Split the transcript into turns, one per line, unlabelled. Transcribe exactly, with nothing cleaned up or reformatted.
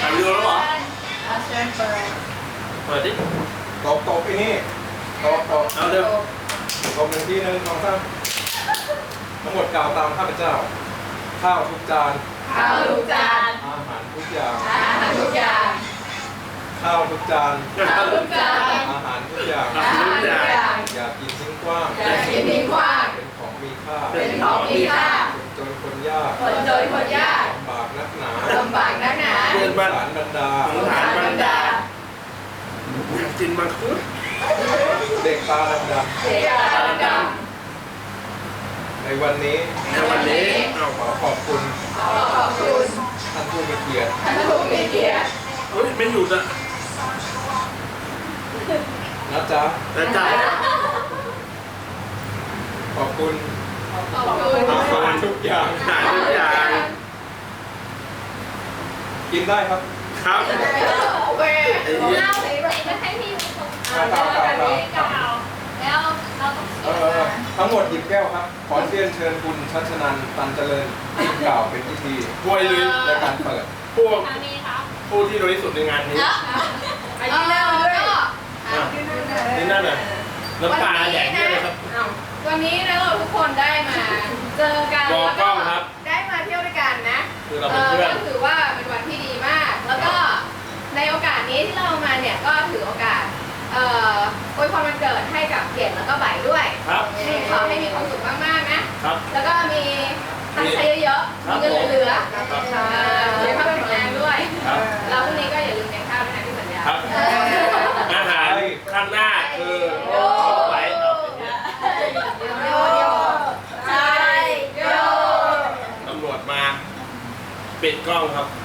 วิดีโอแล้วเหรอ
อาเชิญเปิด
เปิดดิ
ตบตบอีนี่ตบตบ
เอาเร็ว
ตบหนึ่งที่หนึ่งสองสามทั้งหมดกล่าวตามข้าพเจ้าข้าวทุกจาน
ข้าวทุกจาน
อาหารทุกอย่าง
อาหารทุกอย่าง
ข้าวทุกจาน
ข้าวทุกจาน
อาหารทุกอย่าง
อาหารทุกอย่าง
อย่ากินทิ้งกว้าง
อย่ากินทิ้งขว้าง
เป็นของมีค่า
เป็นของมีค่า
คนจนคนยาก
คนจนคนยาก
ลำบากนักหนา
ลำบากนักหนา
สงสารบรรดา
สงสารบรรดากินมังคุด
เด็กตาดำ
เสียดายด
ๆในวันนี้
ในวันนี้เอา
ขอขอบคุณ
ำขอขอบคุณ
ท่านผู้มีเกียรติ
ท่านผู้มีเกียรติ
เฮ้ยไม่หยุดอ่ะ
นะจ๊ะ
แต่จ่าย
ขอบคุณ
ขอบคุณ
อาหารทุกอย่าง
จ่ายทุกอย่าง
กินได้ครับ
ครับ
โอเค
ไอ้เหี้ย
เล่าสิแบบจะให้พี่เป็นคน
กล่าวกล่าวกล่าวกล่าว
กล่าวแล้วเราต้อง
เออเออทั้งหมดหยิบแก้วครับ ขอเรียนเชิญคุณชัชนันท์ตันเจริญกล่าวเป็นพิธี
ป่วยหรือ
ในการเปิด
พวก
ทางนี้ครับ
ผู้ที่โดยที่สุดในงานนี้
ไปที่หน้าด้วย
นี่นั่นน่ะน้ำตาแดงเยอะเลยครับ
วันนี้นะเราทุกคนได้มาเจอกัน
มอง
แล้ว
กล้
ก็
องครับ
ได้มาเที่ยวด้วยกันนะ
คือเราเป็นเพื่อน
ก็ถือว่าเป็นวันที่ดีมาก แล้วก็ในโอกาสนี้ที่เรามาเนี่ยก็ถือโอกาสเอ่ออวยพรวันเกิดให้กับเกียรติแล้วก็ใบด้วย
ครับ
ให้ขอให้มีความสุขมากๆนะ
ครับ
แล้วก็มีตังค์ใช้เยอะๆ
ครั
มี
บ
เงินเหลือ
ครับ
ๆอ่าสุขภาพแข็งแรงด้วย
ครับ
แล้วพรุ่งนี้ก็อย่าลืมกินข้าวด้วยนะที่สัญญา
ครับ
เออ
อาหารข้างหน้าคือไปเอาไปเนี่ย
โยโยใช่โย
ตำรวจมาปิดกล้องครับ